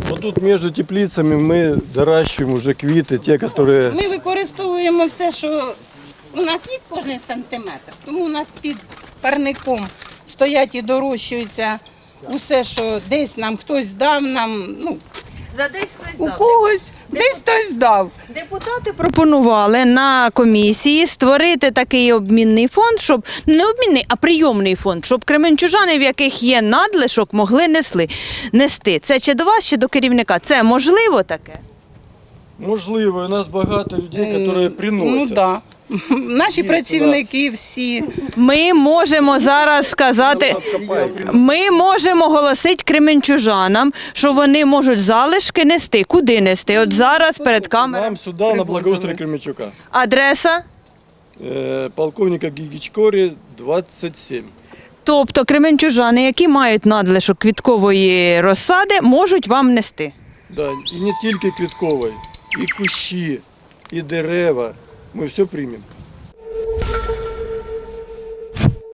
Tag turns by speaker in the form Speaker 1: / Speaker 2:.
Speaker 1: Вот тут между теплицами мы доращиваем уже квиты, те, которые...
Speaker 2: Ми використовуємо все, що у нас є кожен сантиметр. Тому у нас під парником стоять і дорощуються усе, що десь нам хтось дав, нам, ну,
Speaker 3: За десь хтось
Speaker 2: у
Speaker 3: дав.
Speaker 2: когось, десь хтось дав.
Speaker 3: Депутати пропонували на комісії створити такий обмінний фонд, щоб не обмінний, а прийомний фонд, щоб кременчужани, в яких є надлишок, могли нести. Це чи до вас, чи до керівника? Це можливо таке?
Speaker 1: Можливо, у нас багато людей, які
Speaker 2: Ну
Speaker 1: приносять.
Speaker 2: так. Да. Наші
Speaker 1: Є
Speaker 2: працівники всі.
Speaker 3: Ми можемо зараз сказати, ми можемо оголосити кременчужанам, що вони можуть залишки нести. Куди нести? От зараз перед камерою.
Speaker 1: Нам сюди, на благоустрій Кременчука.
Speaker 3: Адреса?
Speaker 1: Полковника Гігічкорі, 27.
Speaker 3: Тобто кременчужани, які мають надлишок квіткової розсади, можуть вам нести.
Speaker 1: Да, і не тільки квіткової, і кущі, і дерева. Ми все приймемо.